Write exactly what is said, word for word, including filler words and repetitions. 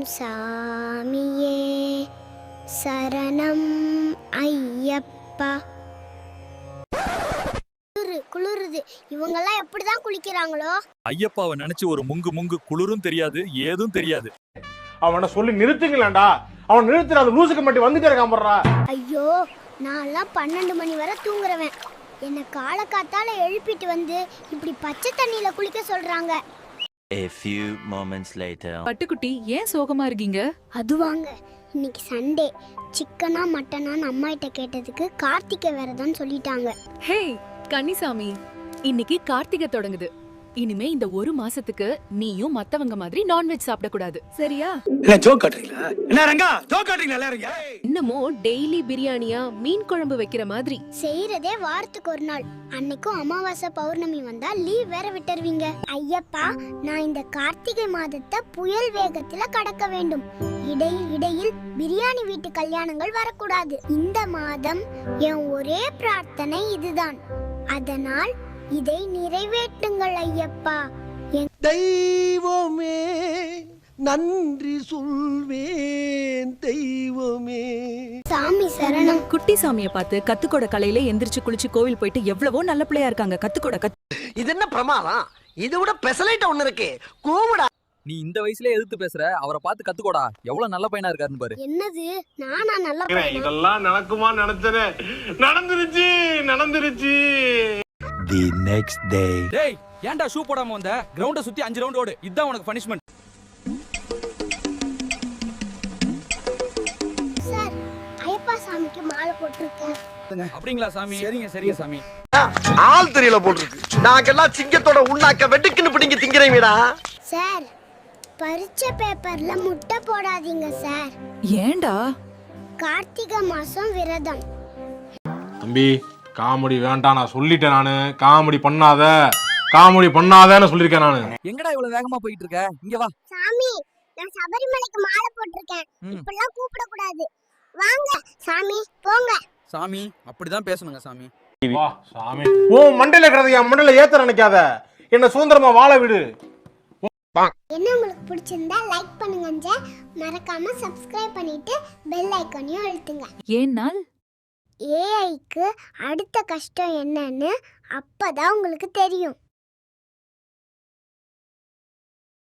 சாமியே சரணம் ஐயப்பா. குளிருது. இவங்கெல்லாம் எப்படிதான் குளிக்கிறாங்களோ? ஐயப்பாவை நினைச்சு ஒரு முங்கு முங்கு குளிரும் தெரியாது, ஏதும் தெரியாது. அவனை சொல்லி நிறுத்துங்களேன்டா. அவன் நிறுத்துற அந்த லூசுக்கு மட்டும் வந்துட்டே இருக்கான் போடுறா. ஐயோ, நான்லாம் பன்னெண்டு மணி வரை தூங்குறவன். என்னை காலக்காத்தால எழுப்பிட்டு வந்து இப்படி பச்சை தண்ணியில குளிக்க சொல்றாங்க. A few moments later. பட்டுக்குட்டி, ஏன் சோகமா இருக்கீங்க? அதுவாங்க, இன்னைக்கு சண்டே. சிக்கனா மட்டனான்னு அம்மா கிட்ட கேட்டதுக்கு கார்த்திகை விரதம் சொல்லிட்டாங்க. ஹே கன்னிசாமி, இன்னைக்கு கார்த்திகை தொடங்குது. இனிமே இந்த ஒரு மாசத்துக்கு நீயும் மத்தவங்க மாதிரி நான்வெஜ் சாப்பிட கூடாது, சரியா? என்ன ஜோக் காட்றீங்களா? என்ன ரங்கா ஜோக் காட்றீங்களா எல்லாரும்? இன்னமோ டெய்லி பிரியாணியா மீன் குழம்பு வைக்கிற மாதிரி செய்யறதே வாரத்துக்கு ஒரு நாள். அன்னைக்கும் அமாவாசை பௌர்ணமி வந்தா லீவ் வேற விட்டுருவீங்க. ஐயப்பா, நான் இந்த கார்த்திகை மாதத்தை புயல் வேகத்துல கடக்க வேண்டும். இடையில் இடையில் பிரியாணி வீட்டு கல்யாணங்கள் வரக்கூடாது. இந்த மாதம் என் ஒரே பிரார்த்தனை இதுதான். அதனால் இதை நிறைவேற்றுங்கள் ஐயப்பா. தெய்வமே நன்றி சொல்வேன், தெய்வமே. சாமி சரணம். குட்டி சாமியை பார்த்து கத்துக்கோட கலையில எந்திரிச்சு குளிச்சு கோவில் போயிட்டு எவ்வளவோ நல்ல பிள்ளையா இருக்காங்க. கத்துக்கோட கத்து. இது என்ன பிரமாதம்? இது விட பெசலைட் ஒண்ணு இருக்கு. கூவுடா. நீ இந்த வயசுல எதிர்த்து பேசுற, அவரை பார்த்து கத்துக்கோடா. எவ்வளவு நல்ல பையனா இருக்காருன்னு பாரு. என்னது, நானா நல்ல பையனா? இதெல்லாம் நடக்குமா நினைச்சனே. நடந்துருச்சு நடந்துருச்சு. The next day. டேய், ஏன்டா ஷூ போடாம வந்த? கிரவுண்ட சுத்தி அஞ்சு ரவுண்ட் ஓடு. இதான் உனக்கு பனிஷ்மென்ட். சார், ஐயப்பா சாமிக்கு மாலை போட்டுருக்கேன். அப்படிங்களா சாமி? சரிங்க சரிங்க சாமி. ஆள் தெரியல போட்டுருக்கு. நாங்கெல்லாம் சிங்கத்தோட உண்ணாக்க வெட்டுக்குன்னு பிடிங்க திங்கிறீங்கடா. சார், பரீட்சை பேப்பர்ல முட்டை போடாதீங்க சார். ஏன்டா? கார்த்திகை மாசம் விரதம். தம்பி, காமெடி வேண்டாம். நான் சொல்லிட்டேன். நானு காமெடி பண்ணாத காமெடி பண்ணாதன்னு சொல்லிருக்கேன் நானு. எங்கடா இவ்வளவு வேகமா போயிட்டு இருக்க? இங்க வா. சாமி, நான் சபரிமலைக்கு மாலை போட்டிருக்கேன். இப்பெல்லாம் கூப்பிட கூடாது. வாங்க சாமி, போங்க. சாமி, அப்படிதான் பேசணுங்க சாமி. வா சாமி. ஓ மண்டையில கிடது என் மண்டையில ஏத்த நினைக்காத. என்ன சுதந்திரமா வாழ விடு. என்ன உங்களுக்கு பிடிச்சிருந்தா லைக் பண்ணுங்க. மறக்காம சப்ஸ்கிரைப் பண்ணிட்டு பெல் ஐகானையும் அழுத்துங்க. ஏன்னால் ஏஐக்கு அடுத்த கஷ்டம் என்னன்னு அப்பதான் உங்களுக்கு தெரியும்.